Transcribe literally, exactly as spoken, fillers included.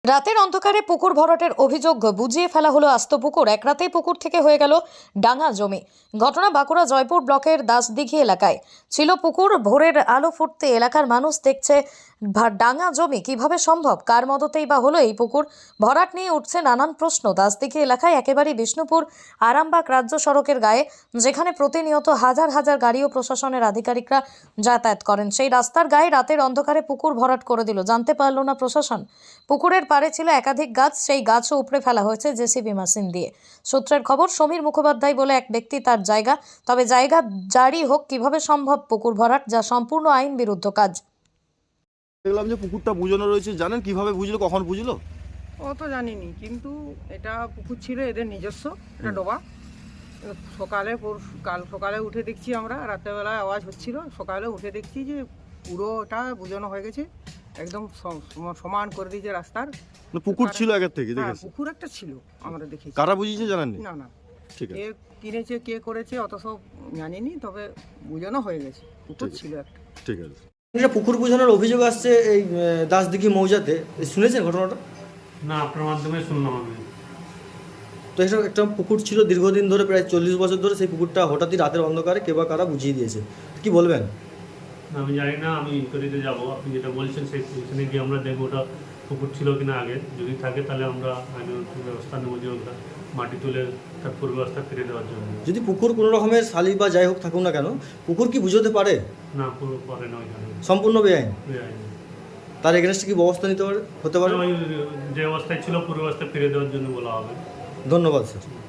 রাতের অন্ধকারে পুকুর ভরাটের অভিযোগ বুঝিয়ে ফেলা হলো আস্ত পুকুর। এক রাতেই পুকুর থেকে হয়ে গেল ডাঙা জমি। ঘটনা বাঁকুড়া জয়পুর ব্লকের দাসদিঘি এলাকায়। ছিল পুকুর, ভোরের আলো ফুটতে এলাকার মানুষ দেখছে ডাঙা জমি কিভাবে সম্ভব, কার মদতেই বা হলো এই পুকুর ভরাট নিয়ে উঠছে নানান প্রশ্ন। দাসদিঘি এলাকায় একেবারে বিষ্ণুপুর আরামবাগ রাজ্য সড়কের গায়ে, যেখানে প্রতিনিয়ত হাজার হাজার গাড়ি ও প্রশাসনের আধিকারিকরা যাতায়াত করেন, সেই রাস্তার গায়ে রাতের অন্ধকারে পুকুর ভরাট করে দিল। জানতে পারল না প্রশাসন। পুকুরের পাড়ে ছিল একাধিক গাছ, সেই গাছও উপড়ে ফেলা হয়েছে জেসিবি মেশিন দিয়ে। সূত্রের খবর, সমীর মুখোপাধ্যায় বলে এক ব্যক্তি তার জায়গা, তবে জায়গা জারি হোক কিভাবে সম্ভব পুকুর ভরাট, যা সম্পূর্ণ আইন বিরুদ্ধ কাজ। দেখলাম যে পুকুরটা বুঝানো রয়েছে, জানেন কিভাবে বুঝলো, কখন বুঝলো? ও তো জানিনি, কিন্তু এটা পুকুর ছিল এদের নিজস্ব, এটা ডোবা। সকালে পরশু কাল সকালে উঠে দেখছি আমরা, রাত্রেবেলায় আওয়াজ হচ্ছিল, সকালে উঠে দেখছি যে পুরোটা বুঝানো হয়ে গেছে, একদম সমান করে দিয়েছে রাস্তার। পুকুর ছিল আগের থেকে হ্যাঁ, দেখেছি। পুকুর একটা ছিল, আমরা দেখেছি। কারা বুঝিয়েছে জানেননি? না না, ঠিক আছে, কে কিনেছে কে করেছে অত সব জানিনি, তবে বুঝানো হয়ে গেছে, পুকুর ঠিক আছে। ছিল একটা। ঠিক আছে। এটা পুকুর বোঝানোর অভিযোগ আসছে এই আহ, দাসদিঘি মৌজাতে। শুনেছেন ঘটনাটা? না, আপনার মাধ্যমে শুনলাম আমি। তো এটা একটা পুকুর ছিল দীর্ঘদিন ধরে, প্রায় চল্লিশ বছর ধরে। সেই পুকুরটা হঠাৎই রাতের অন্ধকারে কে বা কারা বুঝিয়ে দিয়েছে, কি বলবেন? না, আমি জানি না, আমি ইনকোয়ারিতে যাবো। আপনি যেটা বলছেন সেই পজিশনে গিয়ে আমরা দেখবো ওটা পুকুর ছিল কিনা আগে। যদি থাকে তাহলে আমরা আইনত ব্যবস্থা নেবো, যে ওটা মাটি তুলে তার পূর্বাবস্থা ফিরে দেওয়ার জন্য। যদি পুকুর কোনো রকমের শালি বা যাই হোক থাকুক না কেন, পুকুর কি বুঝতে পারে? না, পুরো পরে না, ওইখানে সম্পূর্ণ বেআইন। বেআইনি। তার এগেনস্টে কি ব্যবস্থা নিতে পারে হতে পারে? ওই যে অবস্থায় ছিল পূর্বাবস্থা ফিরে দেওয়ার জন্য বলা হবে। ধন্যবাদ স্যার।